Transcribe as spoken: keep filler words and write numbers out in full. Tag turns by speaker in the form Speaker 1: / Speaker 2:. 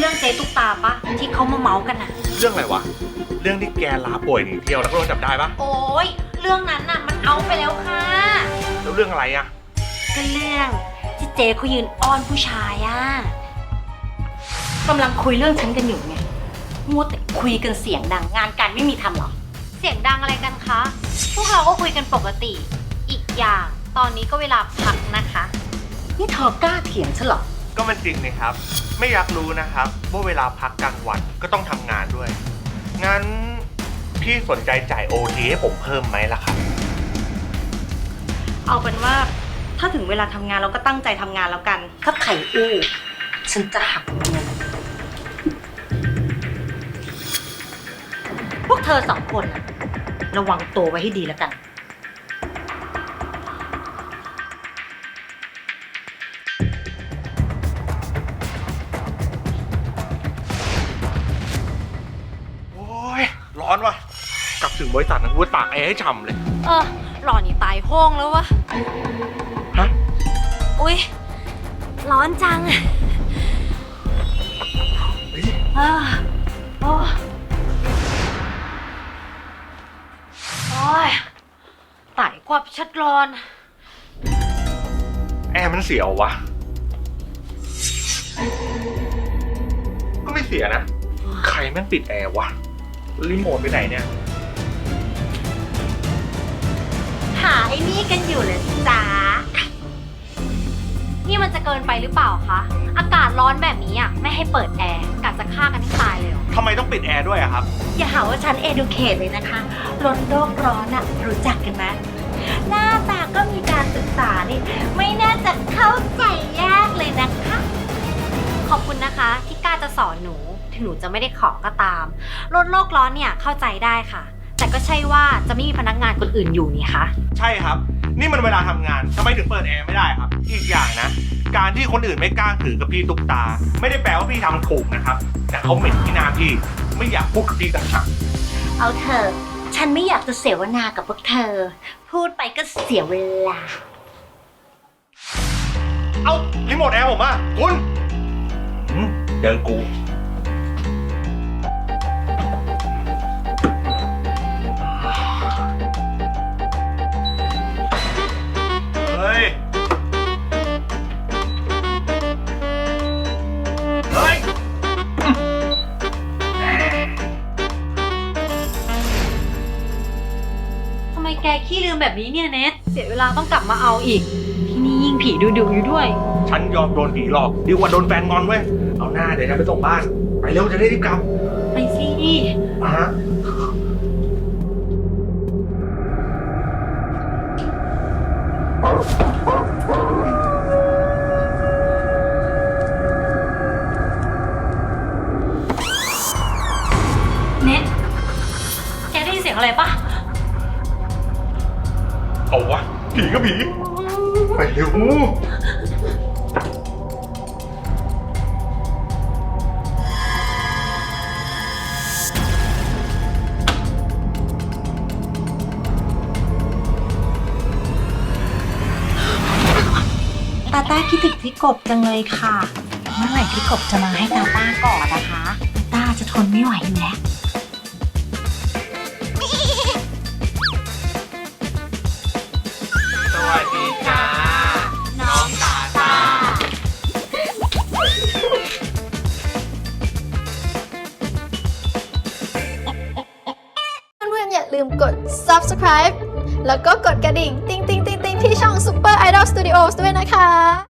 Speaker 1: รื่องเจ๊ตุ๊กตาปะที่เขามาเมาส์กันอะ
Speaker 2: เรื่องอะไรวะเรื่องที่แกลาป่วยหนีเที่ยวแล้วก็โดนจับได้ปะ
Speaker 1: โอ้ยเรื่องนั้นน่ะมันเอาไปแล้วค่ะ
Speaker 2: แล้วเรื่องอะไรอะ
Speaker 1: ก็เรื่องที่เจ๊เขายืนอ้อนผู้ชายอะกำลังคุยเรื่องฉันกันอยู่ไงมัวแต่คุยกันเสียงดังงานการไม่มีทำหรอเสียงดังอะไรกันคะพวกเราก็คุยกันปกติอีกอย่างตอนนี้ก็เวลาพักนะคะนี่เธอกล้าเถียงฉันหรอ
Speaker 2: ก็มันจริงนี่ครับไม่อยากรู้นะครับว่าเวลาพักกลางวันก็ต้องทำงานด้วยงั้นพี่สนใจจ่ายโอทีให้ผมเพิ่มไหมล่ะครับ
Speaker 1: เอาเป็นว่าถ้าถึงเวลาทำงานเราก็ตั้งใจทำงานแล้วกันถ้าไข่อู้ฉันจะหักเงินพวกเธอสองคนระวังตัวไว้ให้ดีแล้วกัน
Speaker 2: โอ้ยร้อนว่ะกลับถึงบริษัทนะกูตากแอร์ให้ฉ่ำเลย
Speaker 1: เออหล่อนี่ตายห้องแล้ววะ
Speaker 2: ฮะ
Speaker 1: อุ๊ยร้อนจังเออโอ้โอ้ยตายกว่าชัดร้อน
Speaker 2: แอร์มันเสียววะก็ไม่เสียนะใครแม่งปิดแอร์วะรีโมทไปไหนเนี่ย
Speaker 1: หาไอ้นี่กันอยู่เลยจ้านี่มันจะเกินไปหรือเปล่าคะอากาศร้อนแบบนี้อ่ะไม่ให้เปิดแอร์กะจะฆ่ากันให้ตายเลยเหรอ
Speaker 2: ทำไมต้องปิดแอร์ด้วยอะครับ
Speaker 1: อย่าหาว่าฉัน educate เลยนะคะลดโลกร้อนอะรู้จักกันไหมหน้าตาก็มีการศึกษานี่ไม่น่าจะเข้าใจยากเลยนะคะขอบคุณนะคะที่กล้าจะสอนหนูถึงหนูจะไม่ได้ขอก็ตามลดโลกร้อนเนี่ยเข้าใจได้ค่ะแต่ก็ใช่ว่าจะไม่มีพนักงานคนอื่นอยู่นี่คะ
Speaker 2: ใช่ครับนี่มันเวลาทำงานทำไมถึงเปิดแอร์ไม่ได้ครับอีกอย่างนะการที่คนอื่นไม่กล้าถือกับพี่ตุ๊กตาไม่ได้แปลว่าพี่ทำถูกนะครับแต่เขาเหม็นที่หน้าพี่ไม่อยากพูดกับพี่ต่างหาก
Speaker 1: เอาเถอะฉันไม่อยากจะเสวนากับพวกเธอพูดไปก็เสียเวลา
Speaker 2: เอารีโมทแอร์ผมอ่ะคุณเดินกูเฮ้ยเฮ้ย
Speaker 1: ทำไมแกขี้ลืมแบบนี้เนี่ยเนทเสียเวลาต้องกลับมาเอาอีกที่นี่ยิ่งผีดุดุอยู่ด้วย
Speaker 2: ฉันยอมโดนผีหลอกดีกว่าโดนแฟนงอนเว้ยเอาหน้าเดี๋ยวฉันไปส่งบ้านไปเร็วจะได้รีบกลับ
Speaker 1: ไปสิ
Speaker 2: มา
Speaker 1: เน็ตแกได้ยินเสียงอะไรปะ
Speaker 2: เอาวะผีก็ผีไปเร็ว
Speaker 1: ตาต้าคิดถึงพี่กบจังเลยค่ะเมื่อไหร่พี่กบจะมาให้ตาต้าก่อนนะคะตาต้าจะทนไม่ไหวอยู่แล้ว
Speaker 2: สวัสดีจ้าน้องตาต้า
Speaker 3: เพื่อนๆอย่าลืมกด ซับสไครบ์ แล้วก็กดกระดิ่ง ติ๊งติ๊งติ๊งติ๊งที่ช่อง Super Idol Studios ด้วยนะคะ